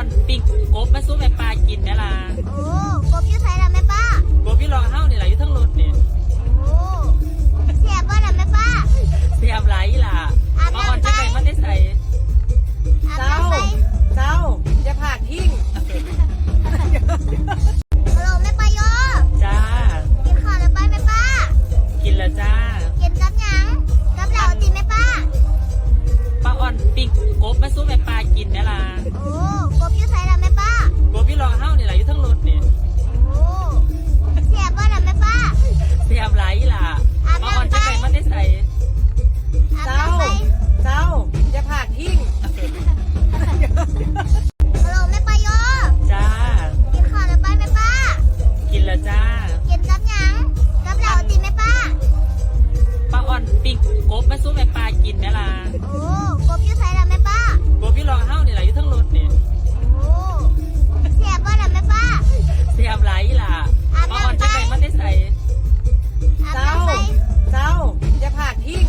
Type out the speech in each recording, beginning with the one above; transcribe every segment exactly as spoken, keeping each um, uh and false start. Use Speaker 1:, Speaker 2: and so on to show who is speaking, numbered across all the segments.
Speaker 1: อนปิ้งกบมาสู้แม่ปลากินแม่ล่ะ
Speaker 2: โอ้กบอยู่ไสล่ะแม่ป้าก
Speaker 1: บพี่รองเฮ้านี่แหละอยู่ทั้งรถนี่
Speaker 2: โอ้เสียบ่ล่ะแม่ป้า
Speaker 1: เสียมไหลล่ะมาอ่อนจะไปมันได้ใส่
Speaker 2: อาบ
Speaker 3: เจ้า
Speaker 2: น้ำไป
Speaker 3: เจ้าอย่าผากทิ้ง
Speaker 2: ฮัลโหลแม่ป้าโย
Speaker 1: จ้า
Speaker 2: กินข้าวแล้วไปแม่ป้า
Speaker 1: กินแล้วจ้า
Speaker 2: กินกับหยังกับเหล้าติแม่ป้า
Speaker 1: ป้าอ่อนปิ้งกบมาสู้แม่ปลากินแม่ล่ะ
Speaker 2: โอ้กบอยู่ไสล่ะแม่ป้าก
Speaker 1: บพี่รองเฮ้านี่แหละอยู่ทั้งรถนี่
Speaker 2: โอ้เสียบ่ล่ะแม่ป้า
Speaker 1: เสียมไหลล่ะมาอ่อนจะไปมันได้ใส่
Speaker 2: อาบ
Speaker 3: เจ้า
Speaker 2: น้ำไป
Speaker 3: เจ้าอย่าผากทิ้ง
Speaker 2: ฮัลโหลแม่ป้าโย
Speaker 1: จ้า
Speaker 2: กินข้าวแล้วไปแม่ป้า
Speaker 1: กินแล้วจ้า
Speaker 2: กินกับหยังกับเหล้าติแม่ป้า
Speaker 1: ป้าอ่อนปิ้งกบมาสู้แม่ปลากินแม่ล่ะ
Speaker 2: โอ้กบอยู่ไสล่ะแม่ป้าก
Speaker 1: บพี่รองเฮ้านี่แหละอยู่ทั้งรถนี่
Speaker 2: โอ้เสียบ่ล่ะแม่ป้า
Speaker 1: เสียมไหลล่ะมาอ่อนจะไปมันได้ใส่
Speaker 2: อาบ
Speaker 3: เจ้า
Speaker 2: น้ำไป
Speaker 3: เจ้าอย่าผากทิ้ง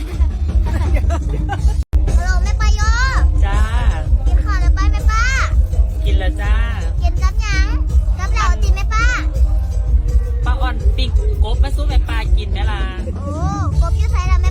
Speaker 2: ฮัลโหลแม่ป้าโย
Speaker 1: จ้า
Speaker 2: กินข้าวแล้วไปแม่ป้า
Speaker 1: กินแล้วจ้า
Speaker 2: กินกับหยังกับเหล้าติแม่ป้า
Speaker 1: ป้าอ่อนปิ้งกบมาสู้แม่ปลากินแม่ล่ะ
Speaker 2: โอ้กบอยู่ไสล่ะแม่